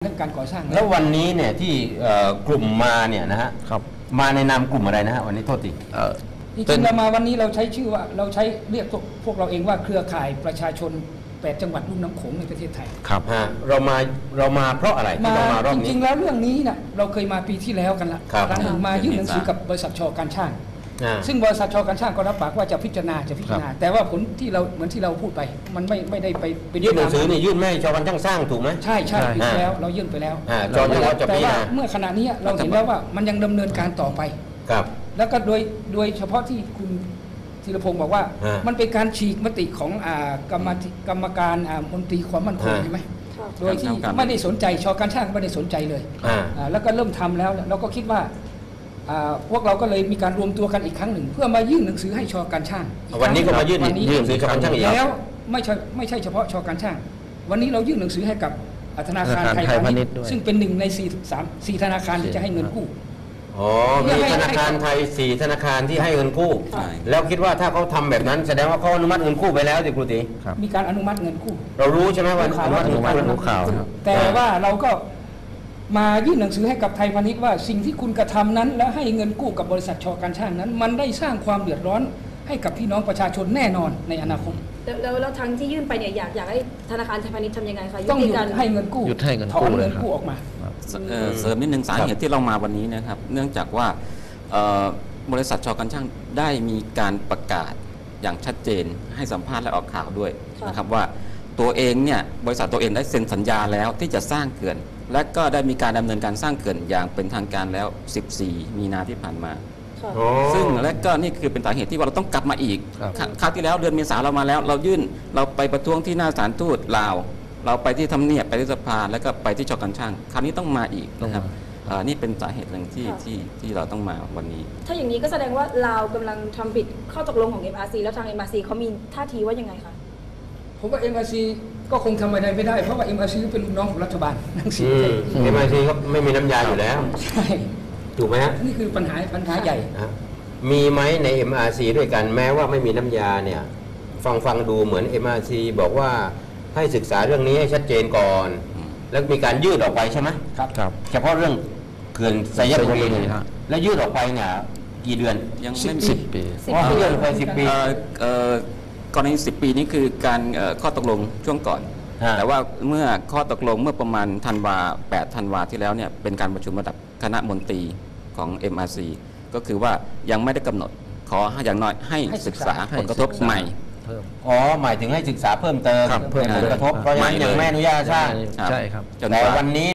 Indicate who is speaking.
Speaker 1: เรื่องการก่อสร้าง
Speaker 2: แล้ววันนี้เนี่ยที่กลุ่มมาเนี่ยนะฮะมาในนามกลุ่มอะไรนะฮะวันนี้โทษที
Speaker 1: จริงๆเรามาวันนี้เราใช้ชื่อว่าเราใช้เรียกพวกเราเองว่าเครือข่ายประชาชน8 จังหวัดลุ่มน้ำโขงในประเทศไทย
Speaker 2: ครับเรามาเพราะอะไรที่เรามารอบนี้
Speaker 1: จริงๆแล้วเรื่องนี้นะเราเคยมาปีที่แล้วกันละครั้งหนึ่งมายื่นหนังสือกับบริษัทช.การช่างซึ่งบริษัทช.การช่างก็รับปากว่าจะพิจารณาแต่ว่าผลที่เราเหมือนที่เราพูดไปมันไม่ได้ไป
Speaker 2: ยื่นหนังสือนี่ยื่นไม่ช.การช่างสร้างถูกไหม
Speaker 1: ใช่ปีที่แล้วเรายื่นไปแล้วแต่ว่าเมื่อขณะนี้เราเห็นแล้วว่ามันยังดำเนินการต่อไปแล้วก็โดยเฉพาะที่คุณธีรพงศ์บอกว่ามันเป็นการฉีกมติของกรรมการมนตรีความมั่นคงใช่ไหมโดยที่ไม่ได้สนใจช.การช่างไม่ได้สนใจเลยแล้วก็เริ่มทำแล้วเราก็คิดว่าพวกเราก็เลยมีการรวมตัวกันอีกครั้งหนึ่งเพื่อมายื่นหนังสือให้ช.การช่าง
Speaker 2: วันนี้ก็มายื่นหนังสือช.การช่างอีก
Speaker 1: แล้วไม่ใช่เฉพาะช.การช่างวันนี้เรายื่นหนังสือให้กับธนาคารไทยพาณิชย์ซึ่งเป็น1 ใน 4 ธนาคารที่จะให้เงินกู้
Speaker 2: มีธนาคารไทย4 ธนาคารที่ให้เงินกู้แล้วคิดว่าถ้าเขาทำแบบนั้นแสดงว่าเขาอนุมัติเงินกู้ไปแล้วสิครูตี
Speaker 1: มีการอนุมัติเงินกู้
Speaker 2: เรารู้ใช่ไหมว่าอนุมัติเงินกู้
Speaker 1: แต่ว่าเราก็มายื่นหนังสือให้กับไทยพาณิชย์ว่าสิ่งที่คุณกระทำนั้นและให้เงินกู้กับบริษัทช.การช่างนั้นมันได้สร้างความเดือดร้อนให้กับพี่น้องประชาชนแน่นอนในอนาคต
Speaker 3: แล้วทางที่ยื่นไปเนี่ยอยากให้ธนาคารไทยพาณิชย์ทำยังไงคะ
Speaker 1: ต้องหยุดให้เงินกู้ถอนเงินกู้ออกมา
Speaker 4: เสริมนิดนึงสาเหตุที่เรามาวันนี้นะครับเนื่องจากว่าบริษัทช.การช่างได้มีการประกาศอย่างชัดเจนให้สัมภาษณ์และออกข่าวด้วยนะครับว่าตัวเองเนี่ยบริษัทตัวเองได้เซ็นสัญญาแล้วที่จะสร้างเขื่อนและก็ได้มีการดำเนินการสร้างเขื่อนอย่างเป็นทางการแล้ว14 มีนาที่ผ่านมาซึ่งและก็นี่คือเป็นสาเหตุที่ว่าเราต้องกลับมาอีกคราวที่แล้วเดือนเมษาเรามาแล้วเราไปประท้วงที่หน้าศาลทูตลาวเราไปที่ทำเนียบไปที่สภาแล้วก็ไปที่ช.การช่างคราวนี้ต้องมาอีกนะครับนี่เป็นสาเหตุหนึ่งที่เราต้องมาวันนี้
Speaker 3: ถ้าอย่างนี้ก็แสดงว่าลาวกำลังทำผิดข้อตกลงของ MRC แล้วทาง MRC เขามีท่าทีว่ายังไงคะ
Speaker 1: ผมว่า MRC ก็คงทำอะไรไม่ได้เพราะว่า MRC เป็นลูกน้องของรัฐบาล
Speaker 2: ทั้งสิ้นMRC ก็ไม่มีน้ำยาอยู่แล้ว
Speaker 1: ใช่
Speaker 2: ถูกไหมฮะ
Speaker 1: นี่คือปัญหาใหญ่
Speaker 2: มีไหมใน MRC ด้วยกันแม้ว่าไม่มีน้ำยาเนี่ยฟังดูเหมือน MRC บอกว่าให้ศึกษาเรื่องนี้ให้ชัดเจนก่อนแล้วมีการยืดออกไปใช่ไหม
Speaker 1: ครับ
Speaker 2: เฉพาะเรื่องเขื่อนไซยบุรีแล้วยืดออกไปเนี่ยกี่เดือน
Speaker 4: ยังไม่
Speaker 2: 10 ปียืดออกไป10 ปี
Speaker 4: กรณี10 ปีนี้คือการข้อตกลงช่วงก่อนแต่ว่าเมื่อข้อตกลงเมื่อประมาณ8 ธันวาที่แล้วเนี่ยเป็นการประชุมระดับคณะมนตรีของ MRC ก็คือว่ายังไม่ได้กำหนดขออย่างน้อยให้ศึกษาผลกระทบใหม่
Speaker 2: หมายถึงให้ศึกษาเพิ่มเติมผลกระทบเพราะยังไม่อนุญาตสร้าง
Speaker 4: ใช่ครับ
Speaker 2: แต่วันนี้